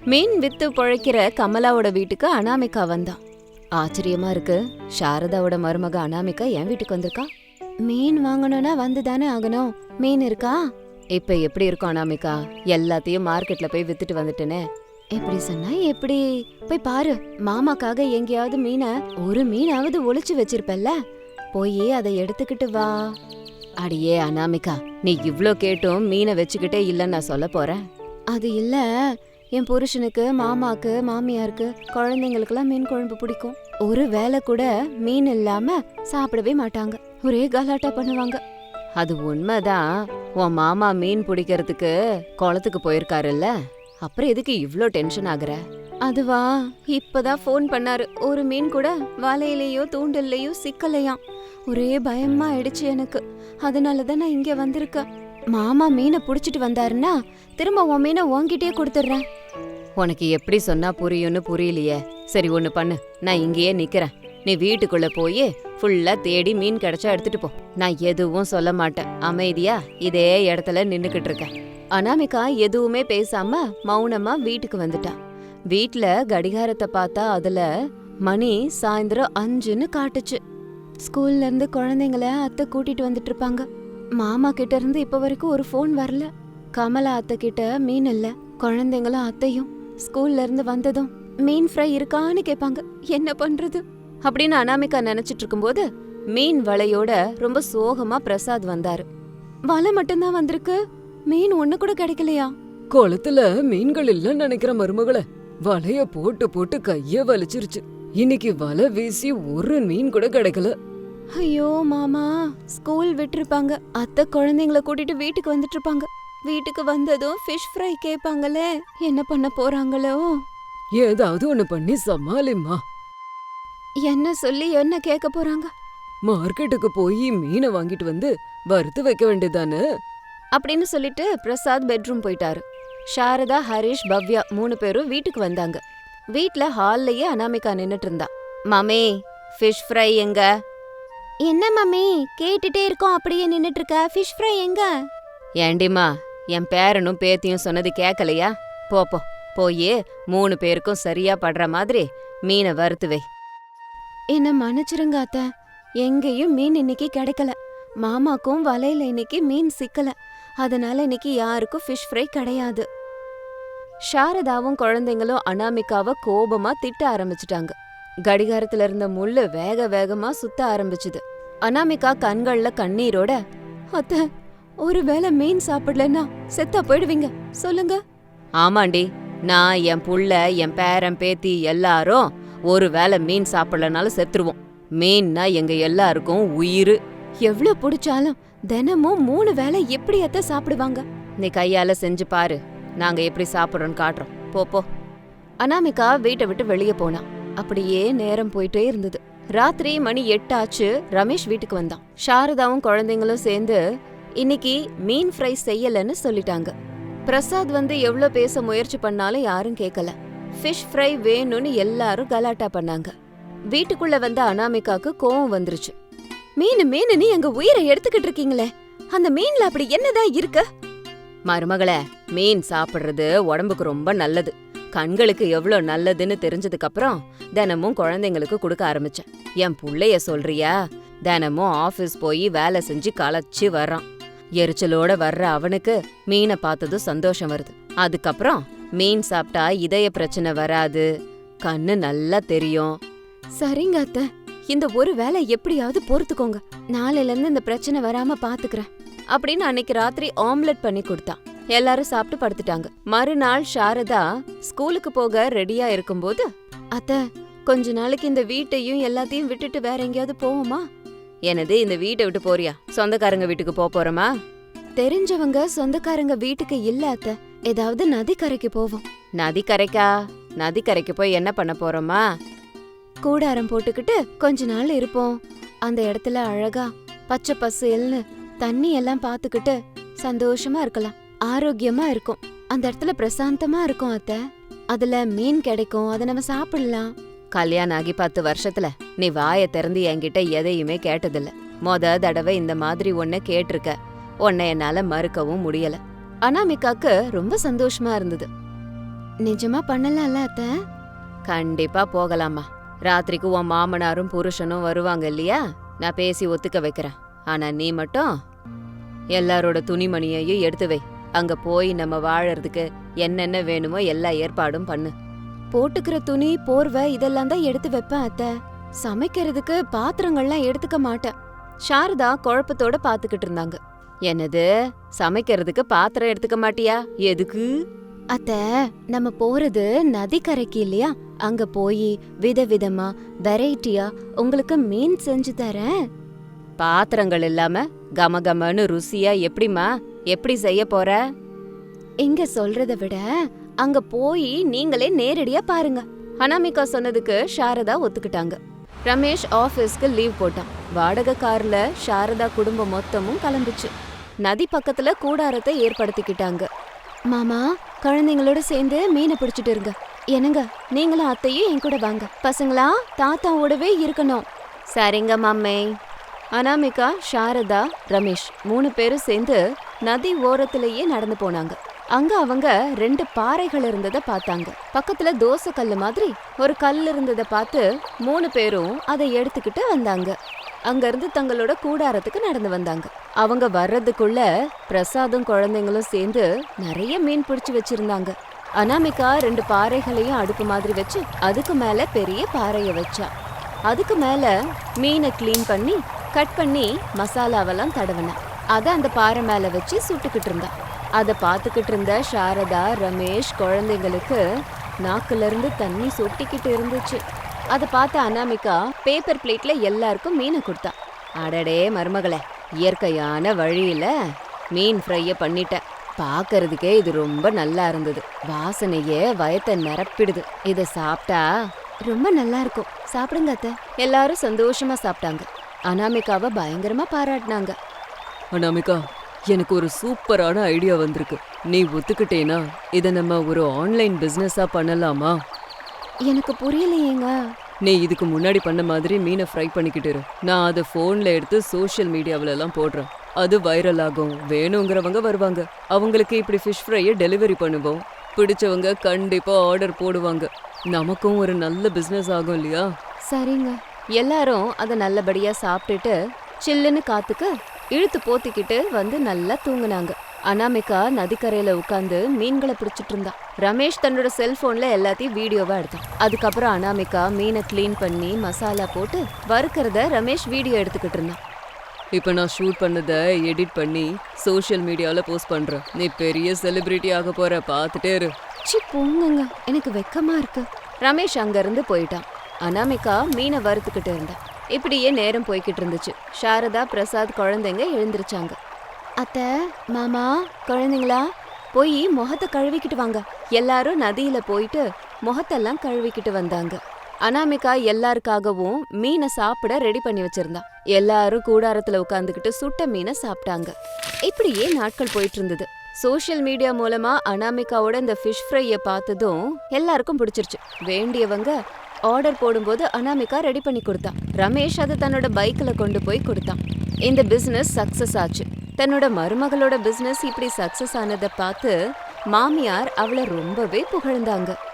மீன் with பொழைக்கிற கமலாவோட வீட்டுக்கு அனாமிகா வந்தான். ஆச்சரியமா இருக்கு, சாரதாவோட மருமக அனாமிகா என் வீட்டுக்கு வந்திருக்கா. மீன் வாங்கணும்னா வந்துதானே ஆகணும். மீன் இருக்கா? இப்ப எப்படி இருக்கும் அனாமிகா? எல்லாத்தையும் மார்க்கெட்ல போய் வித்துட்டு வந்துட்டேனே. எப்படி சொன்னா எப்படி? போய் பாரு, மாமாக்காக எங்கேயாவது ஒரு மீனாவது ஒளிச்சு வச்சிருப்பல்ல, போய் அதை எடுத்துக்கிட்டு வா. அடியே அனாமிகா, நீ இவ்ளோ கேட்டும் மீனை வச்சுக்கிட்டே இல்லன்னு நான் சொல்ல போறேன். அது இல்ல, என் புருஷனுக்கு, மாமாக்கு, மாமியாருக்கு, குழந்தைங்களுக்கெல்லாம் மீன் குழம்பு பிடிக்கும். ஒரு வேளை கூட மீன் இல்லாம சாப்பிடவே மாட்டாங்க. ஒரே கலாட்டா பண்ணுவாங்க. அது உண்மைதான். உன் மாமா மீன் பிடிக்கிறதுக்கு குளத்துக்கு போயிருக்காருல்ல, அப்புறம் எதுக்கு இவ்ளோ டென்ஷன் ஆகுற? அதுவா, இப்பதான் ஃபோன் பண்ணாரு. ஒரு மீன் கூட வலையிலயோ தூண்டல்லையோ சிக்கலையாம். ஒரே பயமா ஆயிடுச்சு எனக்கு. அதனாலதான் நான் இங்க வந்திருக்கேன். மாமா மீனை புடிச்சிட்டு வந்தாருன்னா திரும்ப உன் மீனை உன்கிட்டயே கொடுத்துட்றேன். உனக்கு எப்படி சொன்னா புரியும்னு புரியலையே. சரி ஒண்ணு பண்ணு, நான் இங்கேயே நிக்கிறேன். நீ வீட்டுக்குள்ள போய் ஃபுல்லா தேடி மீன் கிடைச்சா எடுத்துட்டு போ. நான் எதுவும் சொல்ல மாட்டேன். அமைதியா இதே இடத்துல நின்னுக்கிட்டு இருக்கேன். அனாமிகா எதுவுமே பேசாம மௌனமா வீட்டுக்கு வந்துட்டா. வீட்ல கடிகாரத்தை பார்த்தா அதுல மணி சாயந்தரம் 5ன்னு காட்டுச்சு. ஸ்கூல்ல இருந்து குழந்தைங்கள அத்தை கூட்டிட்டு வந்துட்டு இருப்பாங்க. மாமா கிட்ட இருந்து இப்ப வரைக்கும் ஒரு ஃபோன் வரல. கமலா அத்தை கிட்ட மீன் இல்ல. குழந்தைங்களும் அத்தையும் ஸ்கூல்ல இருந்து வந்ததும் மீன் ஃப்ரை இருக்கான்னு கேட்பாங்க. என்ன பண்றது அப்படின்னு அனாமிகா நினைச்சிட்டு இருக்கும்போது மீன் வலையோட ரொம்ப சோகமா பிரசாத் வந்தாரு. வலை மட்டும்தான் வந்திருக்கு, மீன் ஒண்ணு கூட கிடைக்கலையா? குளத்துல மீன்கள் இல்லன்னு நினைக்கிற மருமகளே. வலைய போட்டு போட்டு கைய வலிச்சிருச்சு. இன்னைக்கு வலை வீசி ஒரு மீன் கூட கிடைக்கல. ஐயோ மாமா, ஸ்கூல் விட்டுருப்பாங்க. அத்தை குழந்தைங்களை கூட்டிட்டு வீட்டுக்கு வந்துட்டு இருப்பாங்க. வீட்டுக்கு வந்ததும் ஃபிஷ் ஃப்ரை கேட்பாங்களே, என்ன பண்ண போறாங்களோ? ஏதாவது ஒண்ணு பண்ணி சமாளிம்மா. என்ன சொல்லி என்ன கேட்க போறாங்க? மார்க்கெட்டுக்கு போய் மீனை வாங்கிட்டு வந்து வறுத்து வைக்க வேண்டியதானே அப்படின்னு சொல்லிட்டு பிரசாத் பெட்ரூம் போயிட்டாரு. சாரதா, ஹரிஷ், பவ்யா 3 பேரும் வீட்டுக்கு வந்தாங்க. வீட்ல ஹால்லயே அனாமிகா நின்னுட்டு இருந்தா. மாமே, ஃபிஷ் ஃப்ரை எங்க? என்ன மாமி கேட்டுட்டே இருக்கோம், அப்படியே நின்னுட்டு இருக்க. ஃபிஷ் ஃப்ரை எங்க? ஏண்டிமா, என் பேரனும் பேத்தியும் சொன்னது கேட்கலையா? போ போயே 3 பேருக்கும் சரியா படுற மாதிரி மீனை வறுத்து வை. என்ன மன்னிச்சிருங்க அத்தை, எங்கேயும் மீன் இன்னைக்கு கிடைக்கல. மாமாக்கும் வலையில இன்னைக்கு மீன் சிக்கல. அதனால இன்னைக்கு யாருக்கும் ஃபிஷ் ஃப்ரை கிடையாது. சாரதாவும் குழந்தைங்களும் அனாமிகாவை கோபமா திட்ட ஆரம்பிச்சிட்டாங்க. கடிகாரத்துல இருந்த முள்ளு வேக வேகமா சுத்த ஆரம்பிச்சுது. அனாமிகா கண்கள்ல கண்ணீரோட, அத்தை, ஒருவேளை மீன் சாப்பிடலன்னா செத்தா போயிடுவீங்க, சொல்லுங்க. ஆமாண்டி, நான், என் புள்ள, என் பேரன் பேத்தி எல்லாரும் ஒருவேளை மீன் சாப்பிடலனாலும் செத்துருவோம். மீன்னா எங்க எல்லாருக்கும் உயிர். எவ்வளவு பிடிச்சாலும் தினமும் 3 வேளை எப்படி அத்தை சாப்பிடுவாங்க? நீ கையால செஞ்சு பாரு, நாங்க எப்படி சாப்பிடுறோம்னு காட்டுறோம். போ. அனாமிகா வீட்டை விட்டு வெளியே போனா. அப்படியே நேரம் போயிட்டே இருந்தது. ராத்திரி மணி 8 ஆச்சு. ரமேஷ் வீட்டுக்கு வந்தான். சாரதாவும் குழந்தைங்களும் சேர்ந்து இன்னைக்கு மீன் ஃப்ரை செய்யலன்னு சொல்லிட்டாங்க. பிரசாத் வந்து எவ்வளவு பேச முயற்சி பண்ணாலும் யாரும் கேட்கல. ஃபிஷ் ஃப்ரை வேணும்னு எல்லாரும் கலாட்டா பண்ணாங்க. வீட்டுக்குள்ள வந்த அனாமிகாக்கு கோவம் வந்துருச்சு. மீன் எங்க உயிரை எடுத்துக்கிட்டு இருக்கீங்களே, அந்த மீன்ல அப்படி என்னதான் இருக்கு? மருமகளே, மீன் சாப்பிடுறது உடம்புக்கு ரொம்ப நல்லது. கண்களுக்கு எவ்வளவு நல்லதுன்னு தெரிஞ்சதுக்கு அப்புறம் தினமும் குழந்தைங்களுக்கு கொடுக்க ஆரம்பிச்சேன். என் புள்ளைய சொல்றியா? தினமும் ஆபீஸ் போய் வேலை செஞ்சு களைச்சு வர்றான். எரிச்சலோட வர்ற அவனுக்கு மீனை பார்த்ததும் சந்தோஷம் வருது. அதுக்கப்புறம் மீன் சாப்பிட்டா இதய பிரச்சனை வராது, கண்ணு நல்லா தெரியும். சரிங்க அத்தை, இந்த ஒரு வேலை எப்படியாவது பொறுத்துக்கோங்க. நாளையில இருந்து இந்த பிரச்சனை வராம பாத்துக்கிறேன் அப்படின்னு அன்னைக்கு ராத்திரி ஆம்லெட் பண்ணி கொடுத்தான். எல்லாரும் சாப்பிட்டு படுத்துட்டாங்க. மறுநாள் சாரதா ஸ்கூலுக்கு போக ரெடியா இருக்கும்போது, அத்தை, கொஞ்ச நாளைக்கு இந்த வீட்டையும் எல்லாத்தையும் விட்டுட்டு வேற எங்கேயாவது போவோமா? எனது இந்த வீட்டை விட்டு போறியா? சொந்தக்காரங்க வீட்டுக்கு போறோமா? தெரிஞ்சவங்க சொந்தக்காரங்க வீட்டுக்கு இல்ல அத்தை, ஏதாவது நதிக்கரைக்கு போவோம். நதிக்கரைக்கா? நதிக்கரைக்கு போய் என்ன பண்ண போறோமா? கூடாரம் போட்டுக்கிட்டு கொஞ்ச நாள் இருப்போம். அந்த இடத்துல அழகா பச்சை பசேல்னு தண்ணி எல்லாம் பாத்துக்கிட்டு சந்தோஷமா இருக்கலாம். ஆரோக்கியமா இருக்கும். அந்த இடத்துல பிரசாந்தமா இருக்கும் அத்தை. அதுல மீன் கிடைக்கும், அதை நம்ம சாப்பிடலாம். கல்யாணம் ஆகி 10 வருஷத்துல நீ வாயை திறந்து என்கிட்ட எதையுமே கேட்டதில்ல. தடவை இந்த மாதிரி ஒன்ன கேட்டிருக்க. உன்னை என்னால மறுக்கவும் முடியல. அனாமிகாக்கு ரொம்ப சந்தோஷமா இருந்தது. நிஜமா பண்ணலாம்ல அத்த? கண்டிப்பா போகலாமா. ராத்திரிக்கு உன் மாமனாரும் புருஷனும் வருவாங்க இல்லையா? நான் பேசி ஒத்துக்க வைக்கிறேன். ஆனா நீ மட்டும் எல்லாரோட துணிமணியையும் எடுத்து வை. அங்க போய் நம்ம வாழறதுக்கு என்னென்ன வேணுமோ எல்லா ஏற்பாடும் பண்ணு. போட்டுக்கிற துணி, போர்வை இதெல்லாம் தான் எடுத்து வைப்பேன் அத்த. சமைக்கிறதுக்கு பாத்திரங்கள்லாம் எடுத்துக்க மாட்டேன். சாரதா குழப்பத்தோட பாத்துக்கிட்டு இருந்தாங்க. என்னது, சமைக்கிறதுக்கு பாத்திரம் எடுத்துக்க மாட்டியா? எதுக்கு? அத்த, நம்ம போறது நதிக்கரைக்கு இல்லையா? அங்க போய் விதவிதமா வெரைட்டியா உங்களுக்கு மீன் செஞ்சு தரேன். பாத்திரங்கள் இல்லாம கமகமன்னு ருசியா எப்படிமா? எப்படி செய்ய போற? இங்க சொல்றத விட அங்க போய் நீங்களே நேரடியா பாருங்க. அனாமிகா சொன்னதுக்கு சாரதா ஒத்துக்கிட்டாங்க. ரமேஷ் ஆபீஸ்க்கு லீவ் போட்டான். வாடகை கார்ல சாரதா குடும்பம் மொத்தமும் கிளம்பிச்சு. நதி பக்கத்துல கூடாரத்தை ஏற்படுத்திக்கிட்டாங்க. மாமா, குழந்தைங்களோட சேர்ந்து மீனை பிடிச்சிட்டு இருங்க. என்னங்க, நீங்களும் அத்தையும் என் கூட வாங்க. பசங்களா தாத்தாவோடவே இருக்கணும். சரிங்க மாமே. அனாமிகா, சாரதா, ரமேஷ் 3 பேரும் சேர்ந்து நதி ஓரத்திலேயே நடந்து போனாங்க. அங்க அவங்க 2 பாறைகள் இருந்ததை பார்த்தாங்க. பக்கத்துல தோசை கல்லு மாதிரி ஒரு கல் இருந்ததை பார்த்து 3 பேரும் அதை எடுத்துக்கிட்டு வந்தாங்க. அங்க இருந்து தங்களோட கூடாரத்துக்கு நடந்து வந்தாங்க. அவங்க வர்றதுக்குள்ள பிரசாதும் குழந்தைங்களும் சேர்ந்து நிறைய மீன் பிடிச்சு வச்சிருந்தாங்க. அனாமிகா 2 பாறைகளையும் அடுப்பு மாதிரி வச்சு அதுக்கு மேல பெரிய பாறைய வச்சா. அதுக்கு மேல மீனை கிளீன் பண்ணி கட் பண்ணி மசாலாவெல்லாம் தடவினா. அத அந்த பாறை மேல வச்சு சுட்டுக்கிட்டு இருந்தா. அதை பார்த்துக்கிட்டு இருந்த சாரதா, ரமேஷ் குழந்தைங்களுக்கு நாக்குல இருந்து தண்ணி சொட்டிக்கிட்டு இருந்துச்சு. அதை பார்த்த அனாமிகா பேப்பர் பிளேட்ல எல்லாருக்கும் மீனை கொடுத்தா. அடடே மருமகளே, இயற்கையான வழியில மீன் ஃப்ரைய பண்ணிட்ட. பாக்கறதுக்கே இது ரொம்ப நல்லா இருந்தது. வாசனையே வயத்தை நிரப்பிடுது. இத சாப்பிட்டா ரொம்ப நல்லா இருக்கும். சாப்பிடுங்க அத்தை. எல்லாரும் சந்தோஷமா சாப்பிட்டாங்க. அனாமிகாவை பயங்கரமா பாராட்டினாங்க. அனாமிகா, எனக்கு ஒரு சூப்பரான ஐடியா வந்திருக்கு. நீ ஒத்துக்கிட்டேனா இதை நம்ம ஒரு ஆன்லைன் பிசினஸா பண்ணலாமா? எனக்கு புரியலையேங்க. நீ இதுக்கு முன்னாடி பண்ண மாதிரி மீனை ஃப்ரை பண்ணிக்கிட்டு இரு. நான் அதை ஃபோன்ல எடுத்து சோஷியல் மீடியாவில எல்லாம் போடுறேன். அது வைரல் ஆகும். வேணுங்கிறவங்க வருவாங்க. அவங்களுக்கு இப்படி ஃபிஷ் ஃப்ரையை டெலிவரி பண்ணுவோம். பிடிச்சவங்க கண்டிப்பா ஆர்டர் போடுவாங்க. நமக்கும் ஒரு நல்ல பிசினஸ் ஆகும் இல்லையா? சரிங்க. எல்லாரும் அதை நல்லபடியா சாப்பிட்டுட்டு சில்லுன்னு காத்துக்கு இழுத்து போத்திக்கிட்டு வந்து நல்லா தூங்குனாங்க. அனாமிகா நதிக்கரையில உட்காந்து மீன்களை பிடிச்சிட்டு இருந்தா. ரமேஷ் தன்னோட செல்போன்ல எல்லாத்தையும் வீடியோவா எடுத்தான். அதுக்கப்புறம் அனாமிகா மீனை கிளீன் பண்ணி மசாலா போட்டு வறுக்கிறத ரமேஷ் வீடியோ எடுத்துக்கிட்டு இருந்தான். இப்போ நான் ஷூட் பண்ணதை எடிட் பண்ணி சோஷியல் மீடியாவில் போஸ்ட் பண்ணுறேன். நீ பெரிய செலிபிரிட்டி ஆக போற, பார்த்துட்டே இரு. சி போங்கங்க, எனக்கு வெக்கமா இருக்கு. ரமேஷ் அங்கிருந்து போயிட்டான். அனாமிகா மீனை வறுத்துக்கிட்டு இருந்தா. இப்படியே நேரம் போய்கிட்டு இருந்துச்சு. சாரதா, பிரசாத் குழந்தைங்க எழுந்திருச்சாங்க. அத்தை, மாமா, குழந்தைங்களா போய் முகத்தை கழுவிக்கிட்டு வாங்க. எல்லாரும் நதியில போயிட்டு முகத்தெல்லாம் கழுவிக்கிட்டு வந்தாங்க. அனாமிகா எல்லாருக்காகவும் மீனை சாப்பிட ரெடி பண்ணி வச்சிருந்தா. எல்லாரும் கூடாரத்துல உட்காந்துக்கிட்டு சுட்ட மீனை சாப்பிட்டாங்க. இப்படியே நாட்கள் போயிட்டு இருந்தது. சோஷியல் மீடியா மூலமா அனாமிகாவோட இந்த ஃபிஷ் ஃப்ரைய பார்த்ததும் எல்லாருக்கும் பிடிச்சிருச்சு. வேண்டியவங்க ஆர்டர் போடும்போது அனாமிகா ரெடி பண்ணி கொடுத்தா. ரமேஷ் அதை தன்னோட பைக்ல கொண்டு போய் கொடுத்தான். இந்த பிசினஸ் சக்சஸ் ஆச்சு. தன்னோட மருமகளோட பிசினஸ் இப்படி சக்சஸ் ஆனதை பார்த்து மாமியார் அவளை ரொம்பவே புகழ்ந்தாங்க.